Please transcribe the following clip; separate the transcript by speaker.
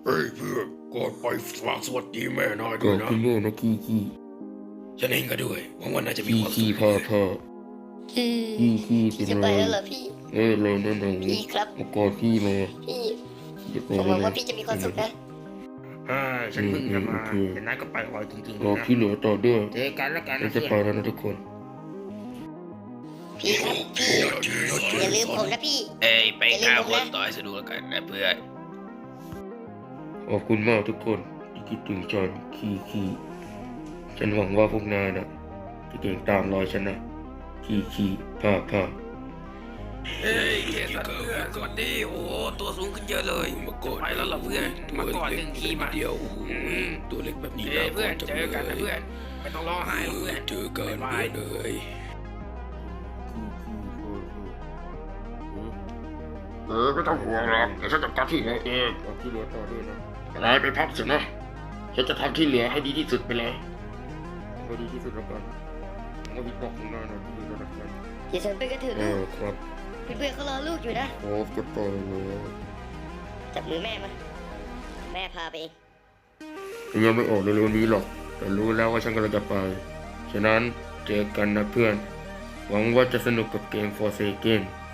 Speaker 1: เฮ้ยเพื่อนก่อนไปฝากสวัสดีแม่นายด้
Speaker 2: ก็
Speaker 1: วยนะ
Speaker 2: คุณแม่นะขี้ขี้
Speaker 1: ฉันเองก็ด้วยหวังว่าน่าจะมี
Speaker 2: ขี้
Speaker 1: ความสุ
Speaker 2: ขี้
Speaker 1: ข
Speaker 2: พ่อพ่อ
Speaker 3: พี่
Speaker 2: ขี้
Speaker 3: พี่
Speaker 2: เป็น
Speaker 3: จะ
Speaker 2: ไร
Speaker 3: ไปแล้วเหรอพี่
Speaker 2: เลยนั่นหนู
Speaker 3: พี่ครับ
Speaker 2: มากอดขี้มา
Speaker 3: พี่
Speaker 2: จะไป
Speaker 3: ผมห
Speaker 2: แล้
Speaker 3: วัง
Speaker 2: ว
Speaker 3: ว่า
Speaker 2: นะ
Speaker 3: พี่จะมีความสุขนะ
Speaker 1: ฉันเพิ่งจะมา
Speaker 2: อืม
Speaker 1: แต่นายก็ไปไวจริงๆ
Speaker 2: รอ
Speaker 1: นะ
Speaker 2: ที่เหลือต่อด้วย
Speaker 1: เจอกันแล้วกัน
Speaker 2: เรา
Speaker 1: นะ
Speaker 2: จะ
Speaker 1: เพื่
Speaker 2: ไป
Speaker 1: อน
Speaker 2: แล้วนะทุกคน
Speaker 3: พี่ครับพี่อย่าลืมผมนะพี่
Speaker 4: เอ้ยไปฆ่าคนต่อให้สนุกแล้วกันนะเพื่อน
Speaker 2: ขอบคุณมากทุกคนที่คิดถึงฉันขี้ขี้ฉันหวังว่าพวกนายนะจะเก่งตามรอยฉันนะขี้ขี้พ่อพ่อ
Speaker 4: เฮ้ยเคสันเพื่อนสวัสดีโอ้โหตัวสูงขึ้นเยอะเลยไปแล้วเหรอเพื่อนมาก่อนหนึ่งทีมา
Speaker 1: เดียวตัวเล็กแบบนี้
Speaker 4: เอ้ยเพื่อนเจอกันนะเพื่อนไม่ต้องร้องไห้หรอกเพื่อน
Speaker 1: เจอกัน
Speaker 4: บ๊ายบาย
Speaker 1: เลย ไม่ต้องห่วงหรอกเดี๋ยวฉันจัดการที่เหลือเอง
Speaker 2: เอาที่เหลือต่อด้วยนะ
Speaker 1: นายไปพักเถอะนะฉันจะทำที่เหลือให้ดีที่สุดไปเลย
Speaker 2: เอาดีที่สุดแล้วกันเอาวิบอกของนายนะที่เหลือแล้วกัน
Speaker 3: เดี๋ยวฉันไปกันเถอะ
Speaker 2: เอ
Speaker 3: ลู
Speaker 2: อก ครับ
Speaker 3: เพื่อนๆเขารอลูกอยู่นะ
Speaker 2: โอ้จะไปแล้ว
Speaker 3: จับมือแม่มาแม่พาไปเอง
Speaker 2: ยังไม่ออกเร็วๆนี้หรอก แต่รู้แล้วว่าฉันกำลังจะไป ฉะนั้นเจอกันนะเพื่อน หวังว่าจะสนุกกับเกม Forsaken